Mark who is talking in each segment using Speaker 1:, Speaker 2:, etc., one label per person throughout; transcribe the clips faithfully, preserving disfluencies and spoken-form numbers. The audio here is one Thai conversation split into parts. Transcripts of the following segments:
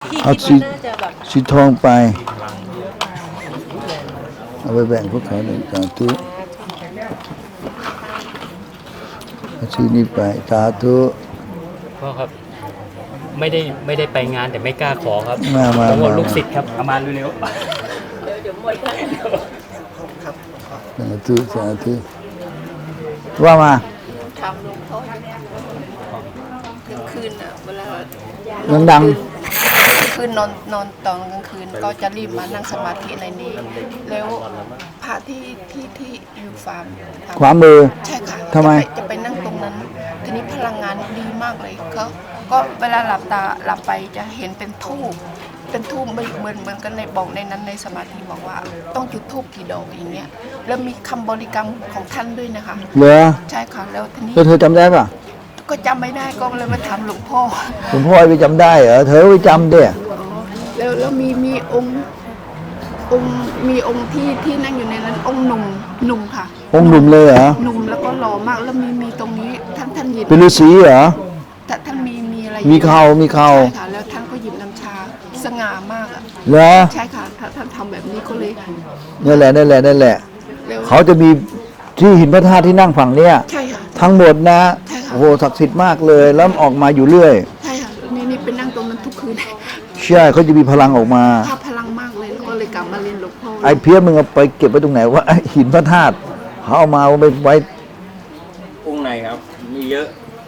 Speaker 1: พี่
Speaker 2: เอาสี
Speaker 1: คิดว่าน่าจะแบบ
Speaker 2: สีทองไปเอาไปแบ่งพวกเขาหนึ่งสาธุเอาสีนี้ไปสาธุ
Speaker 3: พ่อครับไม่ได้ไม่ได้ไปงานแต่ไม่กล้าขอครับ
Speaker 2: มามา
Speaker 3: ผมว่า
Speaker 2: มา
Speaker 3: ลูกศิษย์ครับเอามาเร็ว
Speaker 1: เดี๋ยวเดี๋ยวหมดแล้ว
Speaker 2: สาธุสาธุว่ามา
Speaker 1: ทำหลวงพ่อเนี่ยกลางคืนอ่ะเวลา
Speaker 2: ดัง
Speaker 1: คืนนอนนอนตอนกลางคืนก็จะรีบมานั่งสมาธิในนี้ แล้วพระที่ที่ที่อยู่ฟาร์ม
Speaker 2: ๆขวามือ
Speaker 1: ใช่ค่ะ
Speaker 2: ทำไม
Speaker 1: จะปจะไปนั่งตรงนั้น ทีนี้พลังงานดีมากเลยเขาก็เวลาหลับตาหลับไปจะเห็นเป็นทูบเป็นทูบเหมือนเหมือนเหมือนกันในบอกในนั้นในสมาธิบอกว่า ต้องจุดทูบกี่ดอกอย่างเงี้ยแล้วมีคำบริกรรมของท่านด้วยนะคะ
Speaker 2: เหรอ
Speaker 1: ใช่ค่ะแล้วทีนี้
Speaker 2: แล้วเธอจำได้ป่ะ
Speaker 1: ก็จำไม่ได้ก็เลยมาถามหลวงพ่อ
Speaker 2: หลวงพ่อไปจำได้เหรอเธอไปจำเด้
Speaker 1: แล้วแล้วมีมีองค์องค์มีองค์ที่ที่นั่งอยู่ในนั้นองค์หนุ่มหนุ่มค่ะ
Speaker 2: องค์หนุ่มเลยเหรอ
Speaker 1: หนุ่มแล้วก็หล่อมากแล้วมีมีตรงนี้ท่านท่านหยิบ
Speaker 2: เป็นฤาษีเหรอ
Speaker 1: ท่านท่านมีมีอะไร
Speaker 2: มีเขามีเขา
Speaker 1: ใช่ค่ะแล้วท่านก็หยิบน้ำชาสง่ามากอ่ะ
Speaker 2: เหรอ
Speaker 1: ใช่ค่ะท่านท่านทำแบบนี้ก็เลย
Speaker 2: นั่นแหละนั่นแหละนั่นแหละ
Speaker 1: แล้ว
Speaker 2: เขาจะมีที่หินพระธาตุที่นั่งฝั่งเนี้ย
Speaker 1: ใช่ค่ะ
Speaker 2: ทั้งหมดนะ
Speaker 1: ใช่ค่ะ
Speaker 2: โอ้โหศักดิ์สิทธิ์มากเลยแล้วออกมาอยู่เรื่อย
Speaker 1: ใช่ค่ะนี่นี่เป็นนั่งตรงนั้นทุกคืน
Speaker 2: ใช่เขาจะมีพลังออกมา
Speaker 1: ภาพพลังมากเลยแล้วก็เลยกลับมาเรียนหลวงพ่อ
Speaker 2: ไอ้เพี้ยมึงเอาไปเก็บไว้ตรงไหนว่าหินพระธาตุเขาเอามาเอาไปไว้
Speaker 3: ๆองค์ไหนครับ มีเยอะ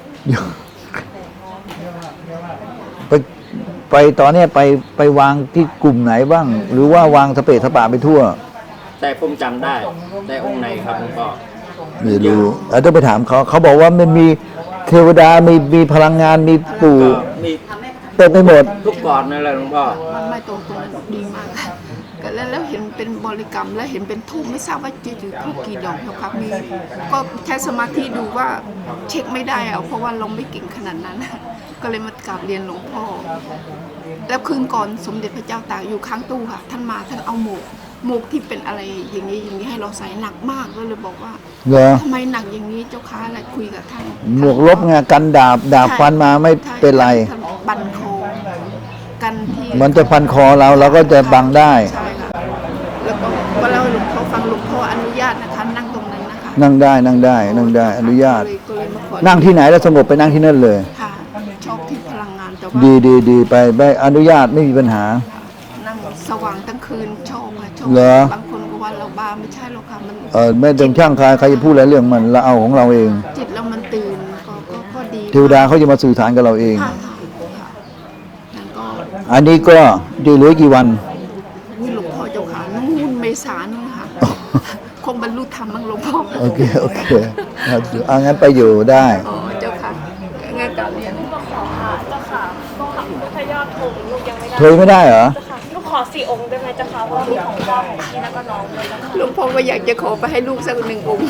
Speaker 2: ไปไปตอนเนี้ยไปไปวางที่กลุ่มไหนบ้าง หรือว่าวางสเปซสปาไปทั่ว
Speaker 3: แต่ผมจำได้แต่องค์ไหนครับหลวงพ่อ
Speaker 2: ไม่รู้อาจจะไปถามเขาเขาบอกว่ามันมีเทวดามีมีพลังงานมีปู่
Speaker 3: ก็มี
Speaker 2: เต็มไปหมด
Speaker 3: ทุกก่อนนั่นแหละหลวงพ่อ
Speaker 1: มันไม่ตรงตรงนั้นดีมากค่ะก็แล้วแล้วเห็นเป็นบริกรรมแล้วเห็นเป็นทูบไม่ทราบว่าจะอยู่ทูบกี่ดอกครับมีก็ใช้สมาธิดูว่าเช็คไม่ได้อะเพราะว่าเราไม่เก่งขนาดนั้น ก็เลยมากราบเรียนหลวงพ่อ แล้วคืนก่อนสมเด็จพระเจ้าตากอยู่ข้างตู้ค่ะ ท่านมาท่านเอาหมวกหมวกที่เป็นอะไรอย่างนี้อย่างนี้ให้เราใส่หนักมากก็เลยบอกว่า
Speaker 2: เหรอ
Speaker 1: ทำไมหนักอย่างนี้เจ้าค้าอะไรคุยกับท่าน
Speaker 2: หมวกลบไงกันดาบดาบฟันมาไม่เป็นไร
Speaker 1: ท่านบันคอกันที่
Speaker 2: มันจะพันคอเราเราก็จะบังได้
Speaker 1: ใช่ค่ะแล้วก็ก็เล่าให้หลวงพ่อฟังหลวงพ่ออนุญาตนะคะนั่งตรงนั้นนะคะ
Speaker 2: นั่งได้นั่งได้นั่งได้อนุญาต
Speaker 1: ก็เลยก็เลยมาขอ
Speaker 2: นั่งที่ไหนแล้วสงบไปนั่งที่นั่นเลย
Speaker 1: ค่ะชอบที่พลังงานแต่ว่า
Speaker 2: ดีดีดีไปไปอนุญาตไม่มีปัญหา
Speaker 1: นั่งสว่างทั้งคืนชอบค่ะชอบ
Speaker 2: เหรอ
Speaker 1: บางคนก็ว่าเราบ้าไม่ใช่หรอกค่ะมัน
Speaker 2: เออไม่ต้องช่างใครใครจะพูดอะไรเรื่องมันเราเอาของเราเอง
Speaker 1: จิตเรามันตื่นก็ก็ก็ดี
Speaker 2: เทวดาเขาจะมาสื่อสารกับเราเอง
Speaker 1: ค่ะค่ะค่ะนั่นก็
Speaker 2: อันนี้ก็จะเหลือกี่วัน
Speaker 1: วิหลวงพ่อเจ้าค่ะนู่นเมษานู่นค่ะ คงบรรลุธรรมมั้งหลวงพ่อ
Speaker 2: โอเคโอเคครับเอางั้นไปอยู่ได้
Speaker 1: อ๋อเจ้าค่ะงั้นกลับเรียน
Speaker 4: ขอค่ะเจ้าค่ะก็ค่ะพระยอดธงลูกยังไม่ได้
Speaker 2: เธอไม่ได้เหรอ
Speaker 4: เจ้าค่ะลูกขอสี่องค์ได้ไหมเจ้าค่ะเพราะว่าลูกของพ่อของพี่แล้วก็น้องเลยเจ้าค่ะ
Speaker 1: หลวงพ่อก็อยากจะขอไปให้ลูกสักหนึ่งองค์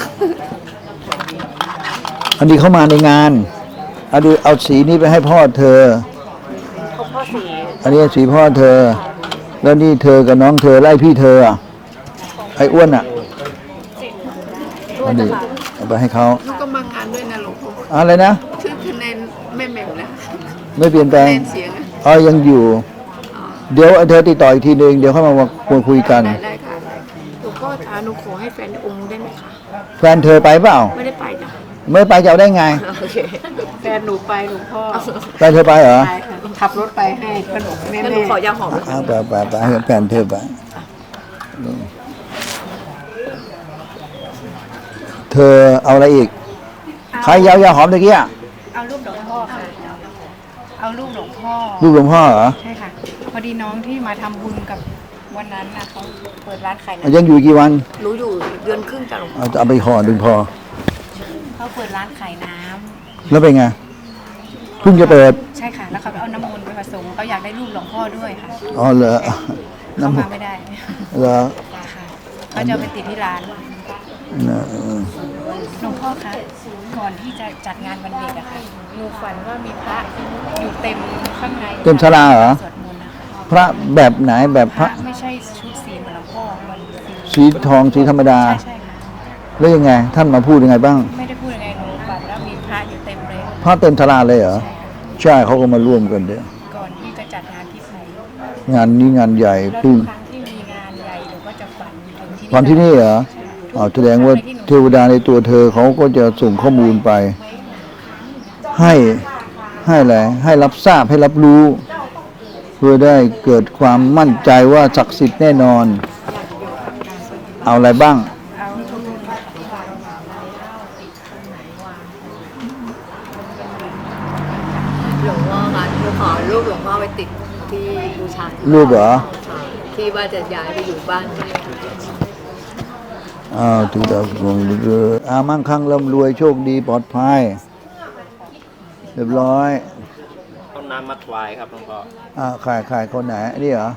Speaker 2: อันนี้เข้ามาในงานเอาดูเอาสีนี้ไปให้พ่อเธอ
Speaker 4: ของพ่อสี
Speaker 2: อันนี้สีพ่อเธอ แล้วนี่เธอกับน้องเธอไล่พี่เธออะไอ้อ้วนอ่ะ
Speaker 4: สีด้ว
Speaker 2: อั
Speaker 4: ย
Speaker 2: น
Speaker 4: เจ้า
Speaker 2: นี้
Speaker 4: ค่ะ
Speaker 2: เอาไปให้เขา
Speaker 1: ลูกก็มางานด้วยนะหลวงพ่อ
Speaker 2: อะไรนะ
Speaker 1: ชื่อคะแนนแม่แหม่มนะ
Speaker 2: ไม่เปลี่ยนแปล
Speaker 1: คะ
Speaker 2: ง
Speaker 1: แนนเสียงอะ
Speaker 2: อ๋อยังอยู่ เดี๋ยวเธอติดต่ออีกทีหนึ่งเดี๋ยวเข้ามาคุยคุยกัน
Speaker 1: ได้ได้ค่ะหลวงพ่อคะหนูขอให้แฟนองค์ได้ไหมคะ
Speaker 2: แฟนเธอไปเปล่า
Speaker 1: ไม่ได้ไปจ้ะ
Speaker 2: ไม่ไปจะเอาได้ไง
Speaker 1: โอเคแฟนหนูไปหลวงพ่อ
Speaker 2: แฟนเธอไปเหรอ
Speaker 1: ไปค่ะขับรถไปให้ขนมแม่แม่หนูขอยาหอม
Speaker 2: อ้าวไปไปไปให้แฟนเธอไปเธอเอาอะไรอีก ใครยาวยาหอมตะกี้อะ
Speaker 5: เอารูปหลวงพ่อค่ะ เอารูปหลวงพ่อ
Speaker 2: ลูกหลวงพ่อเหรอ
Speaker 5: ใช่ค่ะ พอดีน้องที่มาทำบุญกับวันนั้นนะเขาเปิดร้านขายน้
Speaker 2: ยังอยู่กี่วัน
Speaker 1: หนูอยู่เดือนครึ่งจ้ะหลวงพ่อ
Speaker 2: เอาเอาไปห่อดึงพอ
Speaker 5: ำเขาเปิดร้านขายน้ำ
Speaker 2: แล้วเป็นไงเพิ่งจะเปิด
Speaker 5: ใช่ค่ะ แล้วเขาไปเอาน้ำมนต์ไปผสมเขาอยากได้รูปหลวงพ่อด้วยค่ะ
Speaker 2: อ๋อเหรอ
Speaker 5: เขา
Speaker 2: น้ำ
Speaker 5: มาไม่ได้
Speaker 2: เหรอ
Speaker 5: ค่ะเขาจะเอาไปติดที่ร้าน
Speaker 2: นะเออ
Speaker 5: หลวงพ่อคะก่อนที่จะจัดงานวันเด็กอะค่ะหนูฝันว่ามีพระอยู่เต็มข้างใน
Speaker 2: เต็มศาลาเหรอ
Speaker 5: สวดมนต์นะคะ
Speaker 2: พระแบบไหนแบบ
Speaker 5: พ
Speaker 2: พ
Speaker 5: ระ
Speaker 2: ระ
Speaker 5: ไม่ใช่ชุดสีเหมือนหลวงพ่อมันคือ
Speaker 2: สีทองสีธรรมดา
Speaker 5: ใช่ใช่ค่ะ
Speaker 2: แล้วยังไง ท่านมาพูดยังไงบ้าง
Speaker 5: ไม่ได้พูดยังไงหนูฝันว่ามีพระอยู่เต็มเลย
Speaker 2: พระเต็มศาลาเลยเหรอ
Speaker 5: ใช่ค่ะ
Speaker 2: ใช่เขาก็มาร่วมกันเดี๋ยว
Speaker 5: ก่อนที่จะจัดงานที่ไทย
Speaker 2: งานนี้งานใหญ่
Speaker 5: แล้ว
Speaker 2: เพึ่
Speaker 5: ทุ
Speaker 2: ง
Speaker 5: กครั้งที่มีงานใหญ่หนูก็จะฝันถึงที่
Speaker 2: วันที่นี่เหรออ๋อแสดงว่าเทวดาในตัวเธอเขาก็จะส่งข้อมูลไป ให้ให้อะไรให้รับทราบให้รับรู้ เพื่อได้เกิดความมั่นใจว่าศักดิ์สิทธิ์แน่นอน เอาอะไรบ้าง
Speaker 5: เอา
Speaker 6: หลวงพ่อคะหนูขอรูปหลวงพ่อไปติดที่บูชาที่
Speaker 2: รูปเหรอ
Speaker 6: ค่ะที่ว่าจะย้ายไปอยู่บ้านใหม่
Speaker 2: อ้าวถึงดาวดวงเรืออามั่งคั่งร่ำรวยโชคดีปลอดภัยเรียบร้อย
Speaker 7: ต้นน้ำมัดวายครับหลวงพ่อ
Speaker 2: อ่าขายขายคนไหนนี่เหรอ